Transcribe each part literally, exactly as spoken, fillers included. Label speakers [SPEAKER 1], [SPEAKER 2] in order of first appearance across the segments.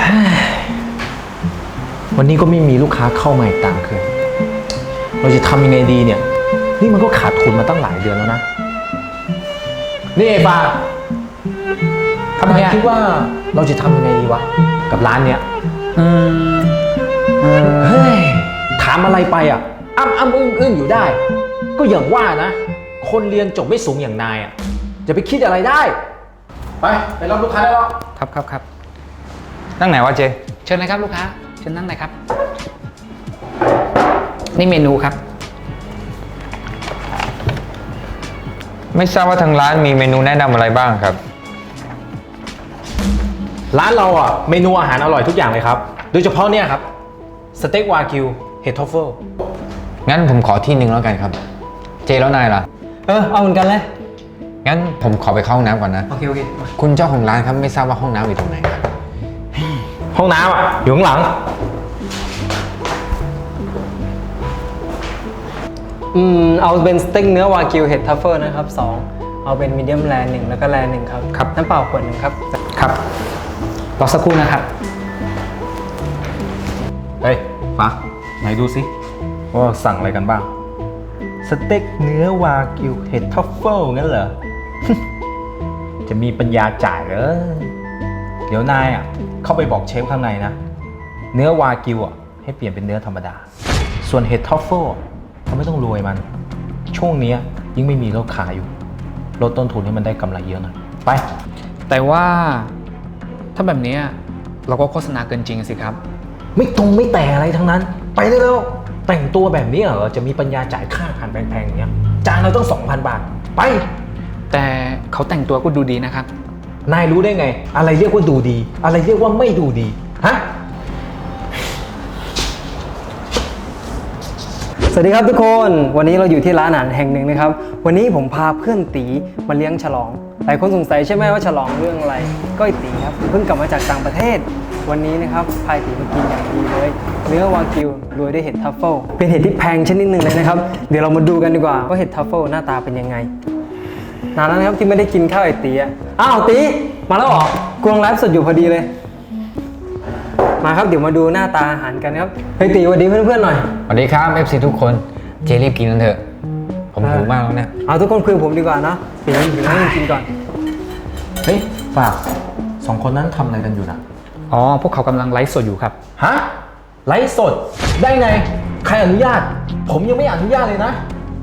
[SPEAKER 1] วันนี้ก็ไม่มีลูกค้าเข้ามาอีกตามเคยเราจะทำยังไงดีเนี่ยนี่มันก็ขาดทุนมาตั้งหลายเดือนแล้วนะนี่เอฟาทำไมคิดว่าเราจะทำยังไงดีวะกับร้านเนี้ยอืมเฮ้ยถามอะไรไปอ่ะอ้ำอ้ำอึ้งอึ้งอยู่ได้ก็อย่างว่านะคนเรียนจบไม่สูงอย่างนายอ่ะจะไปคิดอะไรได้ไปไปรับลูกค้าได้แล้ว
[SPEAKER 2] ครับครับครับ
[SPEAKER 3] นั่งไหนวะเจ
[SPEAKER 2] เชิญเลยครับลูกค้าเชิญนั่งเลยครับนี่เมนูครับ
[SPEAKER 3] ไม่ทราบว่าทางร้านมีเมนูแนะนำอะไรบ้างครับ
[SPEAKER 1] ร้านเราอ่ะเมนูอาหารอร่อยทุกอย่างเลยครับโดยเฉพาะเนี่ยครับสเต็กวากิวเห็ดทรัฟเฟิล
[SPEAKER 3] งั้นผมขอที่หนึ่งแล้วกันครับเจแล้วนายล่ะ
[SPEAKER 2] เออเอาเหมือนกันเลย
[SPEAKER 3] งั้นผมขอไปเข้าห้องน้ำก่อนนะ
[SPEAKER 2] โอเคโอเค
[SPEAKER 3] คุณเจ้าของร้านครับไม่ทราบว่าห้องน้ำอยู่ตรงไหนครับ
[SPEAKER 1] ห้องน้ำอ่ะอยู่ข้างหลัง
[SPEAKER 4] อืมเอาเป็นสเต็กเนื้อวากิวเห็ดทัฟเฟิลนะครับสองเอาเป็นมีเดียมแรร์หนึ่งแล้วก็แรร์หนึ่งครับ
[SPEAKER 2] ครับ
[SPEAKER 4] น้ำเปล่าขวดหนึ่งครับ
[SPEAKER 2] ครับรอสักครู่นะครับ
[SPEAKER 1] เฮ้ยฟ้าไหนดูสิว่าสั่งอะไรกันบ้างสเต็กเนื้อวากิวเห็ดทัฟเฟิลงั้นเหรอ จะมีปัญญาจ่ายเหรอเดี๋ยวนายอ่ะเข้าไปบอกเชฟข้างในนะเนื้อวากิวอ่ะให้เปลี่ยนเป็นเนื้อธรรมดาส่วนเห็ดทัฟเฟิลเขาไม่ต้องรวยมันช่วงนี้ยิ่งไม่มีลูกค้าอยู่ลดต้นทุนให้มันได้กำไรเยอะหน่อยไป
[SPEAKER 2] แต่ว่าถ้าแบบนี้เราก็โฆษณาเกินจริงสิครับ
[SPEAKER 1] ไม่ตรงไม่แต่อะไรทั้งนั้นไปได้แล้วแต่งตัวแบบนี้เหรอจะมีปัญญาจ่ายค่าอาหารแพงๆอย่างเงี้ยจานเราต้อง สองพัน บาทไป
[SPEAKER 2] แต่เขาแต่งตัวก็ดูดีนะครับ
[SPEAKER 1] นายรู้ได้ไงอะไรเรียกว่าดูดีอะไรเรียกว่าไม่ดูดีฮะ
[SPEAKER 4] สวัสดีครับทุกคนวันนี้เราอยู่ที่ร้านอาหารแห่งหนึ่งนะครับวันนี้ผมพาเพื่อนตีมาเลี้ยงฉลองหลายคนสงสัยใช่ไหมว่าฉลองเรื่องอะไรก็ไอตีครับเพิ่งกลับมาจากต่างประเทศวันนี้นะครับพายตีมากินอย่างดีเลยเนื้อวากิวโรยด้วยเห็ดทัฟเฟิลเป็นเห็ดที่แพงชนิดหนึ่งเลยนะครับเดี๋ยวเรามาดูกันดีกว่าว่าเห็ดทัฟเฟิลหน้าตาเป็นยังไงนานแล้วนะครับที่ไม่ได้กินข้าวไอตีอ่ะอ้าวตีมาแล้วเหรอกำลังไลฟ์สดอยู่พอดีเลยมาครับเดี๋ยวมาดูหน้าตาอาหารกันครับเฮ้ยตีสวัสดีเพื่อนๆหน่อย
[SPEAKER 3] สวัสดีครับ เอฟ ซี ทุกคนเจรีบกินกันเถอะผมหิวมากแล้วเนี่ย
[SPEAKER 4] เอาทุกคนคุยกับผมดีกว่านะตีอยู่นั่งกินก่อน
[SPEAKER 1] เฮ้ยฝากสองคนนั้นทำอะไรกันอยู่นะ
[SPEAKER 2] อ๋อพวกเขากำลังไลฟ์สดอยู่ครับ
[SPEAKER 1] ฮะไลฟ์สดได้ไงใครอนุญาตผมยังไม่อนุญาตเลยนะ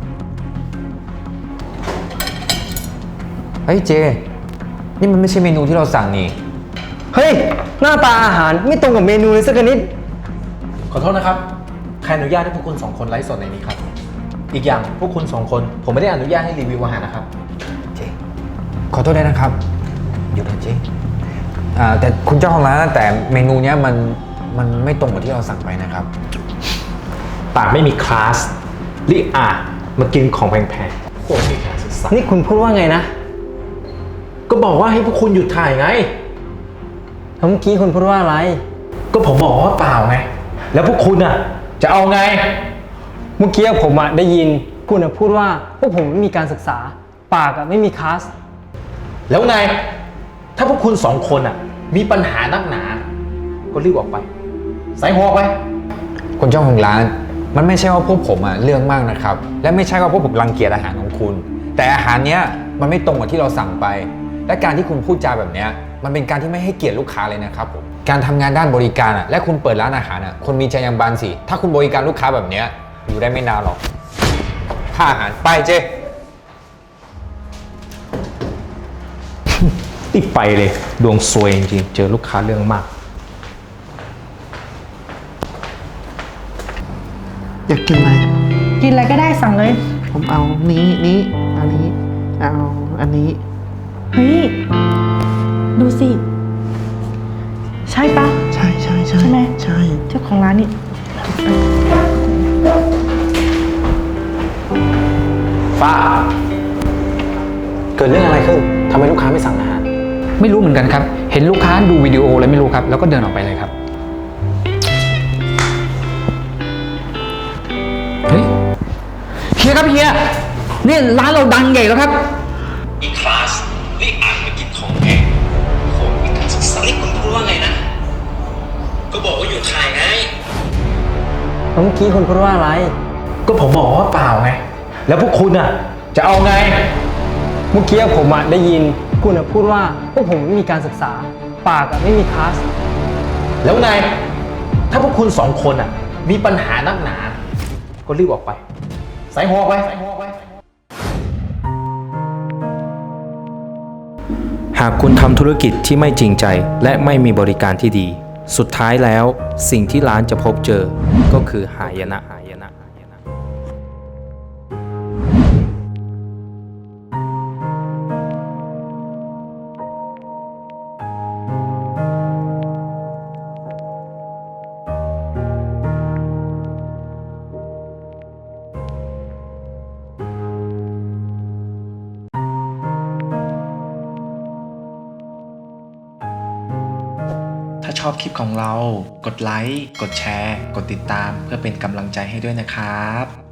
[SPEAKER 3] เฮ้ยเจนี่มันไม่ใช่เมนูที่เราสั่งนี่
[SPEAKER 4] เฮ้ยหน้าตาอาหารไม่ตรงกับเมนูเลยสักนิด
[SPEAKER 1] ขอโทษนะครับใครอนุญาตให้พวกคุณสองคนไลฟ์สดในนี้ครับอีกอย่างพวกคุณสองคนผมไม่ได้อนุญาตให้รีวิวอาหารนะครับ
[SPEAKER 3] เจขอโทษด้วยนะครับหยุดนะเจอ่าแต่คุณเจ้าของร้านแต่เมนูเนี้ยมันมันไม่ตรงกับที่เราสั่งไปนะครับ
[SPEAKER 1] ปากไม่มีคลาสรีอามากินของแพงๆพวกมีการศึกษา
[SPEAKER 4] นี่คุณพูดว่าไงนะ
[SPEAKER 1] ก็บอกว่าให้พวกคุณหยุดถ่ายไง
[SPEAKER 4] เมื่อกี้คุณพูดว่าอะไร
[SPEAKER 1] ก็ผมบอกว่าเปล่าไงแล้วพวกคุณอ่ะจะเอาไง
[SPEAKER 4] เมื่อกี้ผมอ่ะได้ยินคุณอ่ะพูดว่าพวกผมไม่มีการศึกษาปากอ่ะไม่มีคลาส
[SPEAKER 1] แล้วไงถ้าพวกคุณสองคนอ่ะมีปัญหานักหนาก็รีบออกไปใส่หัวไป
[SPEAKER 3] คุณเจ้าของร้านมันไม่ใช่ว่าพวกผมอ่ะเรื่องมากนะครับและไม่ใช่ว่าพวกผมรังเกียจอาหารของคุณแต่อาหารเนี้ยมันไม่ตรงกับที่เราสั่งไปและการที่คุณพูดจาแบบเนี้ยมันเป็นการที่ไม่ให้เกียรติลูกค้าเลยนะครับผมการทำงานด้านบริการอ่ะและคุณเปิดร้านอาหารอ่ะคนมีจรรยาบรรณสิถ้าคุณบริการลูกค้าแบบเนี้ยอยู่ได้ไม่นานหรอกค่าอาหารไปเจ
[SPEAKER 1] ติดไปเลยดวงซวยจริงๆเจอลูกค้าเรื่องมาก
[SPEAKER 5] อยากกินอะไร
[SPEAKER 6] กินอะไรก็ได้สั่งเลย
[SPEAKER 5] ผมเอานี้นี้อันนี้เอาอันนี้
[SPEAKER 6] เฮ้ยดูสิใช่ปะ
[SPEAKER 5] ใช่ใช่ใช่
[SPEAKER 6] ใช่ไหม
[SPEAKER 5] ใช่
[SPEAKER 6] เจ้าของร้านนี่
[SPEAKER 1] ฟ้าเกิดเรื่องอะไรขึ้นทำไมลูกค้าไม่สั่งอาหาร
[SPEAKER 2] ไม่รู้เหมือนกันครับเห็นลูกค้าดูวิดีโออะไรไม่รู้ครับแล้วก็เดินออกไปเลยครับเฮ้ยเฮียครับเฮียนี่ร้านเราดังใหญ่แล้วครับ
[SPEAKER 1] อีคลาสนี่อ่านมากินของแพงของมีการศึกษานี่คุณพูดว่าไงนะ
[SPEAKER 4] แล้วเมื่อกี้คุณพูดว่าอะไร
[SPEAKER 1] ก็ผมบอกว่าเปล่าไง แล้วพวกคุณอ่ะ จะเอาไง
[SPEAKER 4] เมื่อกี้ผมอะได้ยินคุณอะพูดว่าพวกผมไม่มีการศึกษา ปากอะไม่มีคลาส
[SPEAKER 1] แล้วไง ถ้าพวกคุณสองคนอ่ะ มีปัญหานักหนา ก็รีบออกไป ใส่หัวออกไปใส่หัวออกไป หากคุณทำธุรกิจที่ไม่จริงใจ และไม่มีบริการที่ดี สุดท้ายแล้วสิ่งที่ร้านจะพบเจอ ก็คือหายนะหายนะ ถ้าชอบคลิปของเรา กดไลค์ กดแชร์ กดติดตามเพื่อเป็นกำลังใจให้ด้วยนะครับ